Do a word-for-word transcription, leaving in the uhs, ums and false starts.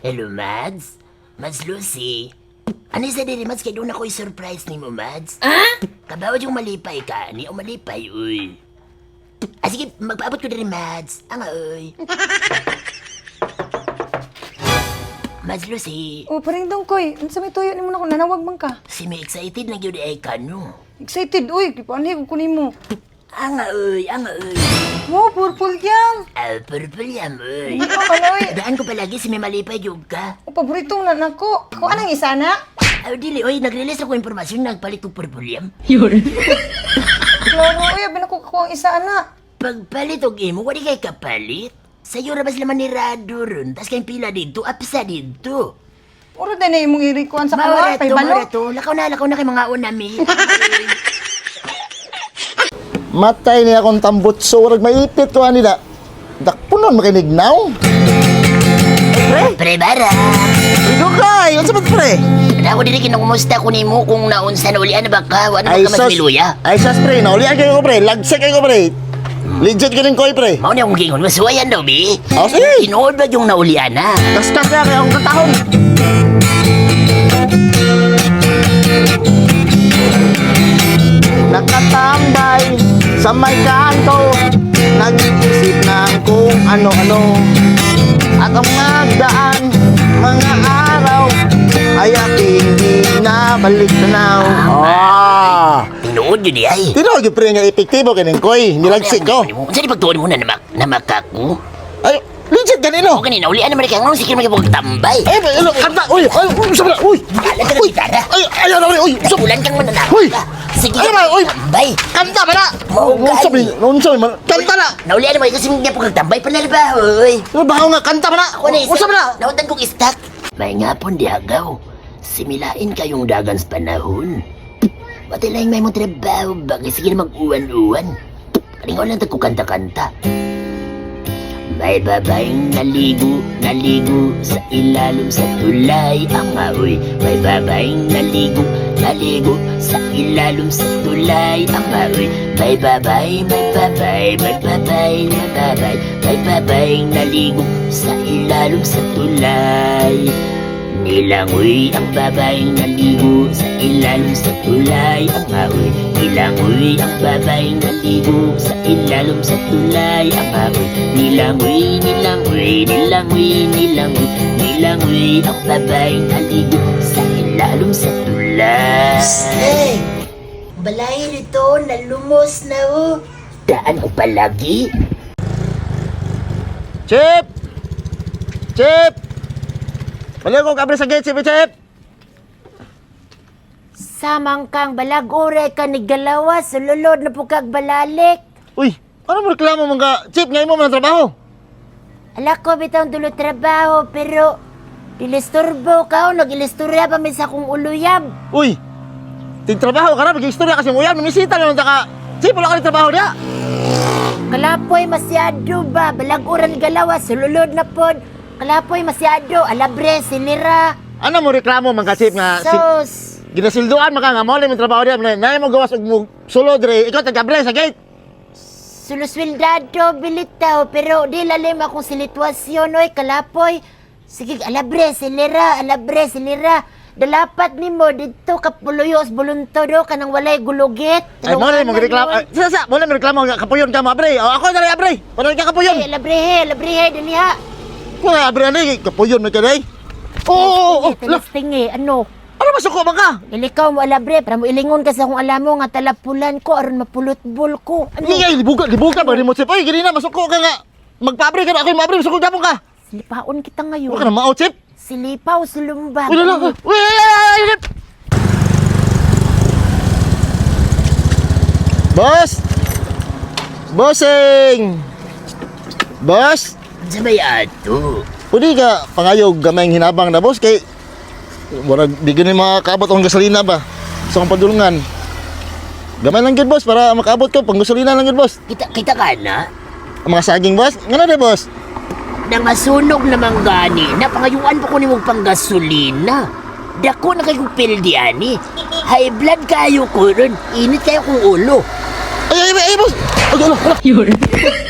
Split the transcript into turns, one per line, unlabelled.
Hello, Mads? Mads Lucy? Ano sa diri, Mads? Kaya doon ako i-surprise ni mo, Mads?
Ah?
Kabawad yung malipay ka. Ni o malipay, uy. Ah, sige, magpaabot ko diri, Mads. Anga, uy. Mads Lucy,
O, paring dong, koy. Ano sa may tuyo ni mo na kung nanawag man ka?
si may excited na yun ay kano.
Excited, uy. Kipanay, kung kunin mo.
Anga, uy. Anga, uy.
Wow, purple yan.
Ah, purple yan, uy.
Hindi ka ano, uy.
Daan ko palagi si may malipay yung ka.
O, paboritong nanak ko. Ako anang isa na?
Ah, dili, uy. Nag-release ako impormasyon nagpalit ko purple yan.
Klaro, uy. Abin ako kakuha ang isa na.
Pagpalit og imo, wali kay kapalit. Sa'yo rabas laman ni Rado ron. Tas kayong pila dito, apsa dito.
Uro din na imong irikuan sa
Mawara
kawa. Pay
to,
balo.
mawara to. Lakaw na, lakaw na kay mga unami.
Matay niya akong tambutso, warag maipit ko nila. Dakpunon makinignaw. Pre,
Pre, bara.
ito kay, ano sabat pre?
Ako dili kinukumusta ko nimo kung naunsa na ulian na ba ka? Ano ba
Ay
ka mas
sus,
miluya?
ay sus pre, naulian kayo ko pre, lagsik kayo ko pre. Legit ka rin ko pre.
Mao na akong gingon, masuwayan daw, bi.
Oh, sige.
Tinuod ba yung naulian na?
Kaskat na kaya akong katahong. Nakatambay sa may kanto, nag-iisip ng kung ano-ano. At ang magdaan, mga araw, ay aking di nabalik tanaw. Ah!
Tinuod yun di ay.
Tino, pre nga epektibo kanin koy, nilagsik ko.
Unsa di pagtuon mo na namak namakaku?
Ay, legit ganino.
O kanina ulian na mereka ngon sikir magibog tambay.
Ay, ay, ay, kanta, uy, ay, uy, sabi na, uy.
Kala ka na
Uy,
gitara.
ay, ay, ay, ay, uy, sabi.
Ulan kang mananakot
Uy!
ka. Sige,
Ay, ay, uy!
tambay.
Kanta ba na?
Mao,
Nung sabi,
gani.
nung sabi, man, kanta na.
Naulian na mo kasi mga pag tambay panalba, hoy.
Ano ba nga, kanta ba na?
Ako na
Kung sabi na?
Nautan kong istak. May nga pon di agaw. Similain kayong dagan sa panahon. Pati lang may mong trabaho, bagay sige na mag-uwan-uwan. Kalingaw lang ko kanta-kanta. May babaeng naligo, naligo sa ilalim sa tulay ang aoy. May babaeng naligo, naligo sa ilalim sa tulay ang aoy. May babay, may babay, may babay, may babay. May babaeng naligo sa ilalim sa tulay. Nilangoy ang babaeng naligo sa ilalim sa tulay ang aoy. Nilangoy ang babaeng naligo sa ilalim sa tulay ang aoy. Nilangoy, nilangoy, nilangoy, nilangoy. Nilangoy ang babaeng naligo sa ilalim sa tulay. Hey! Balay nito, nalumos na oh. Daan ko palagi.
Chip! Chip! Balik ko kabre sa gate, Chip, Chip!
Samang kang balagore ka ni galawa, sululod na po kag balalik.
Uy, ano mo reklamo mong ka? Chip, ngayon mo man ang trabaho.
Ala ko bitang dulo trabaho, pero ilisturbo ka o nag-ilisturya pa min sa kong uluyab.
Uy, tigtrabaho ka na, mag-istorya kasi mo yan, mamisita naman ka. Chip, wala ka rin trabaho niya.
Kalapoy masyado ba, balaguran galawa, sululod na pod. Kalapoy masyado, alabre, silira,
Ano mo reklamo mga ka, Chip, nga? si-
sos.
Ginasilduan maka nga mo yung trabaho niya. Naya mo gawas og mo sulod re. Ikaw tagabre sa gate.
Suluswildado, bilitaw, pero di lalim akong silitwasyon, oy, kalapoy. Sige, alabre, silira, alabre, silira. Dalapat ni mo dito kapuluyos buluntodo ka nang walay gulugit.
Ay mo na mo reklamo. Ay, Sa sa mo na mo reklamo nga kapuyon ka mo abre. O ako na rin abre. Wala ka kapuyon.
Ay, alabre, alabre, dali ha.
Ko na abre ani kapuyon mo ka dai. Oo, oo, oo. La,
Tingi, ano?
ano masuko man ka?
Ilikaw mo alabre, para mo ilingon ka sa kung alam mo nga talapulan ko, aron mapulot-bul ko. Ano?
Ni ay libuga, libuga ba ni mo Chip? Ay gini na masuko ka nga. Magpabre ka na ako mabre masuko gapon ka.
Silipaon kita
Wala ka
ngayon.
na mao Chip.
Silipaw, sulumbag.
Uy, la, uy, ay, ay, ay, ay. Boss! Bossing! Boss!
Sabay ato.
Pwede ka pangayog gamayng hinabang na boss kay wala di gani makakaabot ang gasolina ba sa akong padulungan. Gamay lang gid boss para makaabot ko pang gasolina lang gid boss.
Kita, kita ka na?
Ang mga saging boss, ngano de boss?
Nang masunog naman gani, napangayuan pa ko ni mong panggasolina. Dako na kayo pildi ani. High blood kayo ko ron. Init kayo kong ulo.
Ay ay ay, ay boss. Ay ala ala.